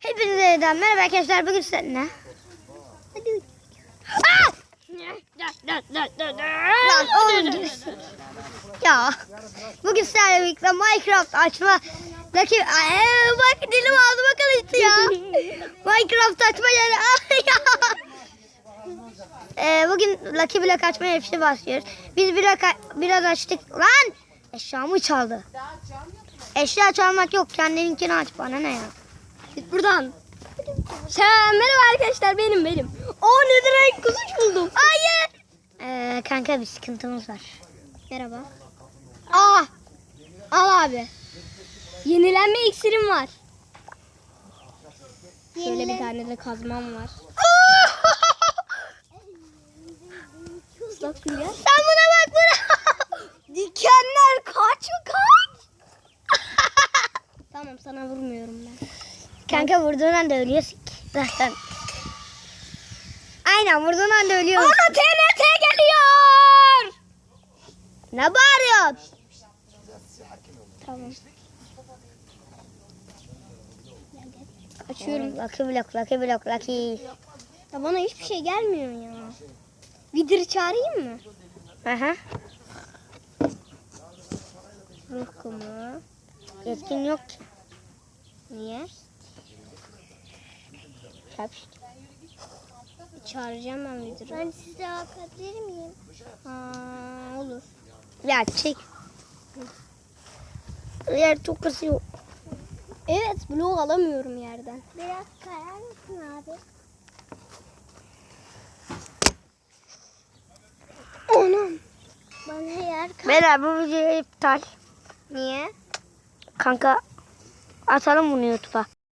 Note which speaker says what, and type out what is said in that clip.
Speaker 1: Hepinize yeniden merhaba arkadaşlar. Bugün seninle. Hadi. Lan oğlum. Ya. Bugün sizlerle birlikte Minecraft açma. Bak dilim ağzıma karıştı ya. Minecraft açma yani. Bugün Lucky Block açma hepsi başlıyoruz. Biz biraz açtık. Lan eşyamı çaldı. Eşya çalmak yok. Kendininkini aç, bana ne ya.
Speaker 2: Git buradan. Merhaba arkadaşlar, benim. Netherite kuzuş buldum.
Speaker 1: Hayır. Kanka bir sıkıntımız var.
Speaker 2: Merhaba. Al abi. Yenilenme iksirim var. Şöyle bir tane de kazmam var. Islak suya.
Speaker 1: Sen buna bak buna.
Speaker 2: Dikenler kaç. Tamam, sana vurmuyorum ben.
Speaker 1: Kanka vurduğun anda ölüyorsun ki zaten. Aynen vurduğun anda ölüyorsun.
Speaker 2: Bana TNT geliyor.
Speaker 1: Ne bağırıyorsun?
Speaker 2: Tamam. Açıyorum.
Speaker 1: Lucky Block.
Speaker 2: Ya bana hiçbir şey gelmiyor ya. Vidir çağırayım mı?
Speaker 1: Aha.
Speaker 2: Ruh kumu.
Speaker 1: Yetkin yok ki.
Speaker 2: Niye? Çağıracağım ben Vidir'i.
Speaker 3: Ben size bakabilir miyim?
Speaker 2: Olur.
Speaker 1: Ya çek. Yer çok kasıyor.
Speaker 2: Evet, blok alamıyorum yerden.
Speaker 3: Biraz kayar mısın abi?
Speaker 2: Anam.
Speaker 3: Bana yer kay.
Speaker 1: Beyler bu videoyu iptal.
Speaker 2: Niye?
Speaker 1: Kanka atalım bunu YouTube'a.